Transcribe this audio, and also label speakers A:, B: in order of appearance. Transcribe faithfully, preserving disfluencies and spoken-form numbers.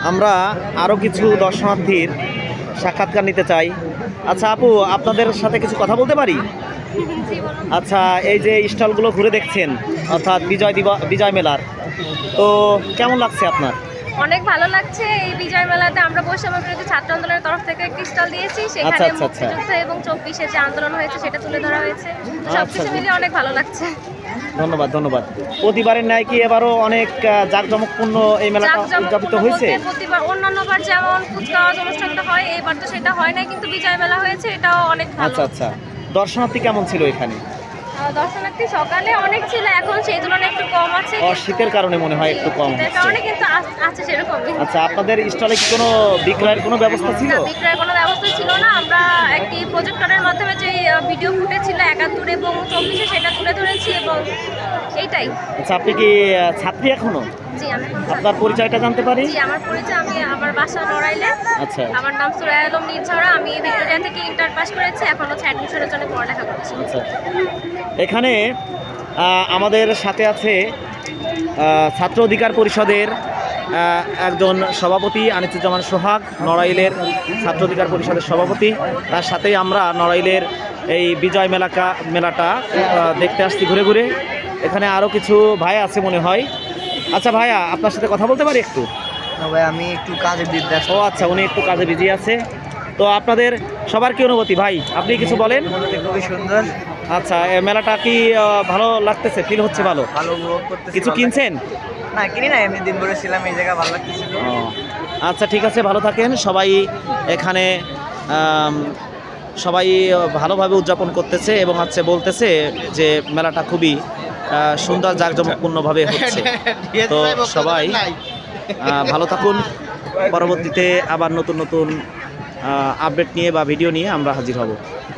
A: আমরা আরও কিছু দর্শনার্থীর সাক্ষাৎকার নিতে চাই। আচ্ছা আপু, আপনাদের সাথে কিছু কথা বলতে পারি? আচ্ছা, এই যে স্টলগুলো ঘুরে দেখছেন, অর্থাৎ বিজয় দিবস বিজয় মেলার, তো কেমন লাগছে আপনার?
B: অনেক ভালো লাগছে। এই বিজয় মেলাতে আমরা বৈষম্য বিরোধী ছাত্র আন্দোলনের তরফ থেকে একটি স্টল দিয়েছি। সেখানে
A: আচ্ছা, আচ্ছা, আচ্ছা।
B: মুক্তিযুদ্ধ এবং চব্বিশে যে আন্দোলন হয়েছে সেটা তুলে ধরা হয়েছে।
A: আচ্ছা,
B: সবকিছু মিলিয়ে অনেক ভালো লাগছে।
A: ধন্যবাদ ধন্যবাদ। প্রতিবারের ন্যায় কি এবারও অনেক আহ, জাঁকজমকপূর্ণ এই মেলাটা উদযাপিত হয়েছে?
B: বলতে প্রতিবার অন্যান্যবার যেমন কুচকাওয়াজ অনুষ্ঠানটা হয়, এবার তো সেটা হয় না, কিন্তু বিজয় মেলা হয়েছে, এটাও অনেক ভালো।
A: আচ্ছা আচ্ছা, দর্শনার্থী কেমন ছিল এখানে?
B: আহ, দর্শনার্থী সকালে অনেক ছিল, এখন সেই তুলনায় একটু কম আছে।
A: ও, শীতের কারণে মনে হয় একটু কম
B: শীতের
A: হচ্ছে।
B: কারণে কিন্তু আস- আছে সেরকমই।
A: আচ্ছা, আপনাদের স্টলে কি কোনো বিক্রয়ের কোনো ব্যবস্থা ছিল?
B: না, বিক্রয়ের কোনো ব্যবস্থা ছিল না। আমরা একটি প্রজেক্টরের মাধ্যমে যে ভিডিও ফুটেজ ছিল একাত্তর এবং চব্বিশে সেটা তুলে ধরেছি এবং এইটাই।
A: আচ্ছা, আপনি কি আহ, ছাত্রী এখনো?
B: জি, আমি এখন
A: আপনার পরিচয়টা জানতে পারি?
B: জি, আমার পরিচয়, আমি আমার বাসা নড়াইলে।
A: আচ্ছা
B: আমার নাম সুরাই আলম নির্ঝরা। আমি ভিক্টোরিয়া থেকে ইন্টার পাস করেছি, এখন হচ্ছে অ্যাডমিশনের জন্য পড়ালেখা করছি।
A: আচ্ছা, এখানে আহ, আমাদের সাথে আছে আহ, ছাত্র অধিকার পরিষদের আহ, একজন সভাপতি আনিসুজ্জামান সোহাগ, নড়াইলের ছাত্র অধিকার পরিষদের সভাপতি। তার সাথেই আমরা নড়াইলের এই বিজয় মেলাকা মেলাটা আহ, দেখতে আসছি ঘুরে ঘুরে। এখানে আরও কিছু ভাই আছে মনে হয়। আচ্ছা ভাইয়া, আপনার সাথে কথা বলতে পারি একটু?
C: না ভাই, আমি একটু কাজে বিদ্যা।
A: ও আচ্ছা, উনি একটু কাজে বিজি আছে। তো আপনাদের সবার কি অনুভূতি ভাই, আপনি কিছু বলেন?
C: খুবই সুন্দর।
A: আচ্ছা, এ মেলাটা কি আহ, ভালো লাগতেছে? ফিল হচ্ছে ভালো?
C: ভালো উপভোগ করতেছি।
A: কিছু
C: ভালো
A: কিনছেন?
C: লাগছে। না কিনি না, এমনি দিন ভরে ছিলাম এই জায়গা, ভালো লাগতেছিল।
A: ও, আচ্ছা ঠিক আছে, ভালো থাকেন সবাই। এখানে আম, সবাই ভালোভাবে উদযাপন করতেছে এবং হচ্ছে বলতেছে যে মেলাটা খুবই আহ, সুন্দর জাঁকজমকপূর্ণভাবে হচ্ছে। তো সবাই আহ, ভালো থাকুন। পরবর্তীতে আবার নতুন নতুন আপডেট নিয়ে বা ভিডিও নিয়ে আমরা হাজির হব।